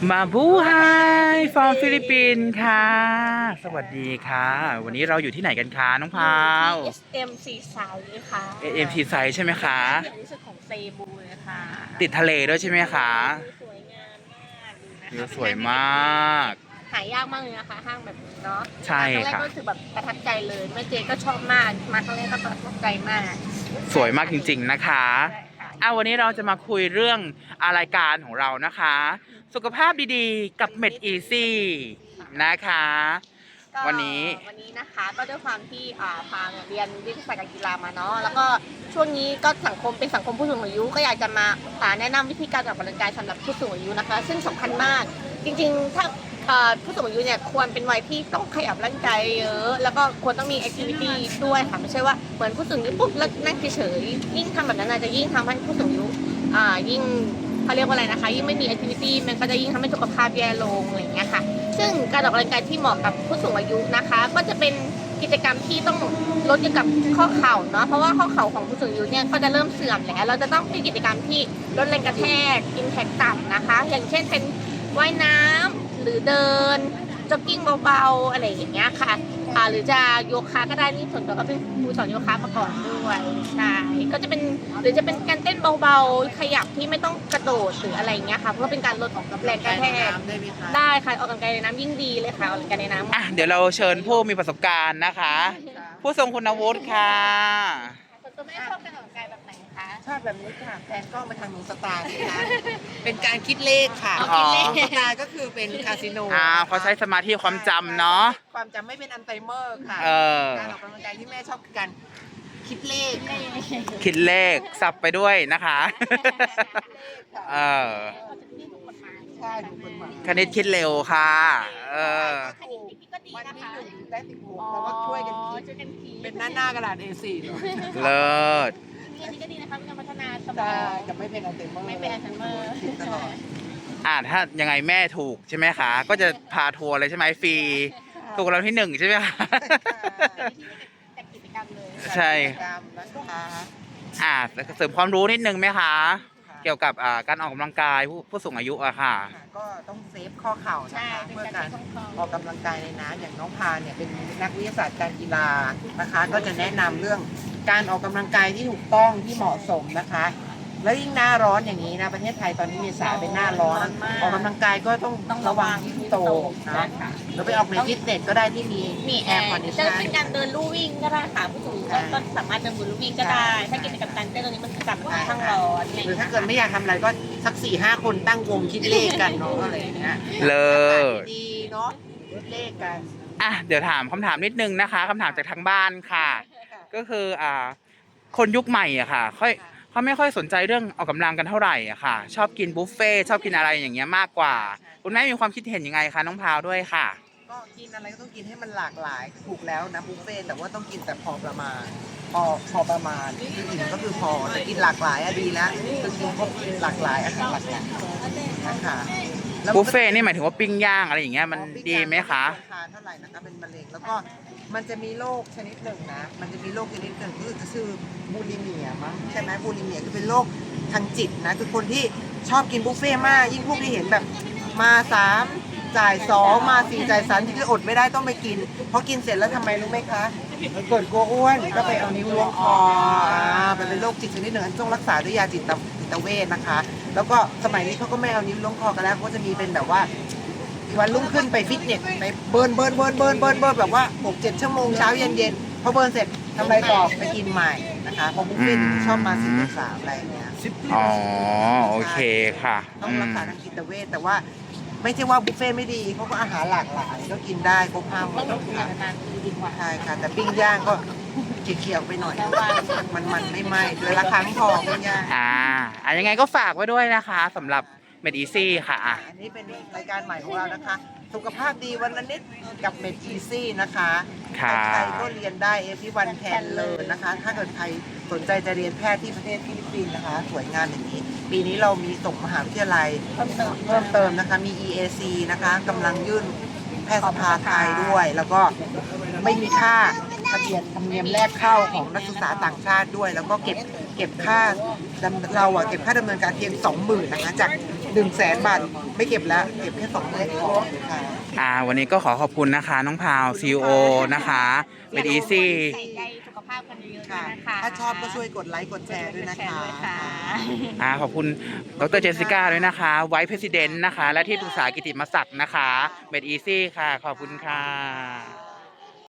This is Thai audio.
มาบูไฮฟอร์มฟิลิปปินส์ค่ะสวัสดีค่ะวันนี้เราอยู่ที่ไหนกันคะน้องพาวที่ SM ซีไซด์ค่ะ AMC ไซส์ใช่ไหมคะที่ใหญ่ที่สุดของเซบูเลยค่ะติดทะเลด้วยใช่ไหมคะสวยงามมากดูนะวิวคะสวยมากหายากมากเลยนะคะห้างแบบนี้เนาะใช่ค่ะครั้งแรกก็รู้สึกแบบประทับใจเลยแม่เจก็ชอบมากมาครั้งแรกก็ประทับใจมากสวยมากจริงๆนะคะใช่ค่ะวันนี้เราจะมาคุยเรื่องรายการของเรานะคะ สุขภาพดีๆกับเม็ดอีซี่นะคะก็วันนี้นะคะก็ด้วยความที่พาเรียนวิทยาศาสตร์การกีฬามาเนาะแล้วก็ช่วงนี้ก็สังคมเป็นสังคมผู้สูงอายุก็อยากจะมาแนะนำวิธีการออกกำลังกายสำหรับผู้สูงอายุนะคะซึ่งสำคัญมากจริงๆถ้าผู้สูงอายุเนี่ยควรเป็นวัยที่ต้องขยับร่างกายเยอะแล้วก็ควรต้องมีแอคทิวิตี้ด้วยค่ะไม่ใช่ว่าเหมือนผู้สูงอายุปุ๊บแล้วนั่งเฉยๆยิ่งทำแบบนั้นอาจจะยิ่งทำให้ผู้สูงอายุยิ่งเขาเรียกว่าอะไรนะคะยิ่งไม่มีแอคทิวิตี้มันก็จะยิ่งทำให้สุขภาพแย่ลงอะไรอย่างเงี้ยค่ะซึ่งการออกกำลังกายที่เหมาะกับผู้สูงอายุนะคะก็จะเป็นกิจกรรมที่ต้องลดเกี่ยวกับข้อเข่าเนาะเพราะว่าข้อเข่าของผู้สูงอายุเนี่ยก็จะเริ่มเสื่อมแล้วเราจะต้องเป็นกิจกรรมที่ลดแรงกระแทกอิมแพคต่ำนะคะอย่างเช่นเป็นว่ายน้ำหรือเดินจ็อกกิ้งเบาๆอะไรอย่างเงี้ยค่ะหรือจะโยคะก็ได้นี่ส่วนตัวก็เป็นครูสอนโยคะมาก่อนด้วยใช่ก็จะเป็นหรือจะเป็นการเต้นเบาๆขยับที่ไม่ต้องกระโดดหรืออะไรเงี้ยค่ะเพื่อเป็นการลดแรงกระแทกได้ค่ะออกกำลังกายในน้ำยิ่งดีเลยค่ะออกกำลังกายในน้ำเดี๋ยวเราเชิญผู้มีประสบการณ์นะคะ ผู้ทรงคุณวุฒิค่ะส่วนตัวไม่ชอบการออกกำลังกายแบบไหนคะชอบแบบนี้ค่ะแฟนกล้องไปทางหนูสตาร์นะคะเป็นการคิดเลขค่ะอ๋อสตาร์ก็คือเป็นคาสิโนเขาใช้สมาธิความจำเนาะความจำไม่เป็นอัลไซเมอร์ค่ะเออการออกกำลังกายที่แม่ชอบคือการคิดเลขค่ะคิดเลขสับไปด้วยนะคะ เออใช่ถูกกฎหมายคณิตคิดเร็วค่ะ เออก็ดีวันนะนี้คะหนึ่งได้16เราก็ช่วยกันคิดช่วยกันคิดเป็นหน้ากระดาษ A4 เลยเลิศอันนี้ก็ดีนะคะเป็นการพัฒนาสมอใช่งจะไม่เป็นอัลไซเมอร์ไม่เป็นอัลไซเมอร์คิดตลอดถ้ายังไงแม่ถูกใช่ไหมคะ ก็จะพาทัวร์เลยใช่ไหมฟรี ถูกเราที่ 1ใช่ไหมคะแต่กิจกรรมเลยใช่กิจกรรมนะคะเสริมความรู้นิดนึงไหมคะ เกี่ยวกับการออกกำลังกายผู้สูงอายุอะค่ะก็ต้องเซฟข้อเข่านะใช่คะเป็นเพื่อการการคล่องออกกำลังกายในน้ำอย่างน้องพาเนี่ยเป็นนักวิทยาศาสตร์การกีฬานะคะ ก็จะแนะนำเรื่องการออกกำลังกายที่ถูกต้องที่เหมาะสมนะคะ แล้วยิ่งหน้าร้อนอย่างนี้นะประเทศไทยตอนนี้เมษาเป็นหน้าร้อน ออกกำลังกายก็ต้องระวังที่โตนะเราไปออกในฟิตเนสก็ได้ที่มีมีแอแอร์ร์คอนดิจะชันเป็นการเดินลู่วิ่งก็ได้ค่ะผู้สูงอายุก็สามารถเดินลู่วิ่งก็ได้ ถ้ากิจกรรมการเต้นตรงนี้มันกลับมาข้างร้อนหรือถ้าเกิดไม่อยากทำอะไรก็สัก4-5 คนตั้งวงคิดเลขกันเนาะอะไรอย่างเงี้ยเลิศดีเนาะคิดเลขกันเดี๋ยวถามคำถามนิดนึงนะคะคำถามจากทางบ้านค่ะ ก็คือคนยุคใหม่อะค่ะเขาไม่ค่อยสนใจเรื่องออกกำลังกันเท่าไหร่อะค่ะ ชอบกินบุฟเฟ่ต์ชอบกินอะไรอย่างเงี้ยมากกว่า คุณแม่มีความคิดเห็นยังไงคะน้องพาวด้วยค่ะก็กินอะไรก็ต้องกินให้มันหลากหลายถูกแล้วนะบุฟเฟ่ต์แต่ว่าต้องกินแต่พอประมาณพอประมาณคืออิ่มก็คือพอแต่กินหลากหลายอะดีแล้วคือกินครบหลากหลายอาหารหลากหลายนะคะแล้วบุฟเฟ่ต์นี่หมายถึงว่าปิ้งย่างอะไรอย่างเงี้ยมันดีไหมคะทานเท่าไหร่นะคะเป็นมะเร็งแล้วก็มันจะมีโรคชนิดหนึ่งนะมันจะมีโรคชนิดหนึ่งคือชื่อบูลิเมียมั้งใช่ไหมบูลิเมียคือเป็นโรคทางจิตนะคือคนที่ชอบกินบุฟเฟ่ต์มากยิ่งพวกที่เห็นแบบมา3จ่าย2มา4จ่าย3ที่คืออดไม่ได้ต้องไปกินเพราะกินเสร็จแล้วทำไมรู้ไหมคะเกิดกลัวอ้วนก็ไปเอานิ้วล้วงคอมันเป็นโรคจิตชนิดหนึ่งต้องรักษาด้วยยาจิตเวชนะคะ แล้วก็สมัยนี้เขาก็ไม่เอานิ้วล้วงคอกันแล้วเขาจะมีเป็นแบบว่าวันรุ่งขึ้นไปฟิตเนสไปเบิร์นแบบว่า6-7 ชั่วโมงเช้าเย็นพอเบิร์นเสร็จทำอะไรต่อไปกินใหม่นะคะเพราะบุฟเฟ่ต์ชอบมา10-3อะไรอย่างเงี้ยอ๋อโอเคค่ะต้องรักษาทางจิตเวชแต่ว่าไม่ใช่ว่าบุฟเฟ่ต์ไม่ดีเขาก็อาหารหลากหลายก็กินได้ครบ5 ต้องมื้ดูอกิจค่ะการดีกว่าใช่ค่ะแต่ปิ้งย่างก็เขียวๆไปหน่อยมันไม่ไหม้เดือนละครั้งพอปิ้งย่างยังไงก็ฝากไว้ด้วยนะคะสำหรับเมดอีซี่ค่ะอันนี้เป็นรายการใหม่ของเรานะคะ สุขภาพดีวันละนิดกับเมดอีซี่นะคะค่ะใครก็เรียนได้everyone can learnนะคะ ถ้าเกิดใครสนใจจะเรียนแพทย์ที่ประเทศฟิลิปปินส์นะคะ สวยงามอย่างนี้ ปีนี้เรามีส่งมหาวิทยาลัยเพิ่มเติมนะคะ มี EAC นะคะกำลังยื่นแพทยสภาไทยด้วย แล้วก็ไม่มีค่าทะเบียนธรรมเนียมแรกเข้าของนักศึกษาต่างชาติด้วย แล้วก็เก็บเก็บค่าเราอะเก็บค่าดำเนินการเพียง 20,000นะคะจาก 100,000 บาทไม่เก็บแล้วเก็บแค่ 20,000พอค่ะวันนี้ก็ขอขอบคุณนะคะน้องพาวซีโอนะคะเมดอีซี่ใส่ใจสุขภาพกันเยอะๆค่ะนะคะถ้าชอบก็ช่วยกดไลค์กดแชร์ด้วยนะคะขอบคุณดรเจสสิก้าด้วยนะคะไวท์เพรสิดเนนต์นะคะ และที่ปรึกษากิติมศักดิ์นะคะเมดอีซี่ค่ะ ขอบคุณค่ะ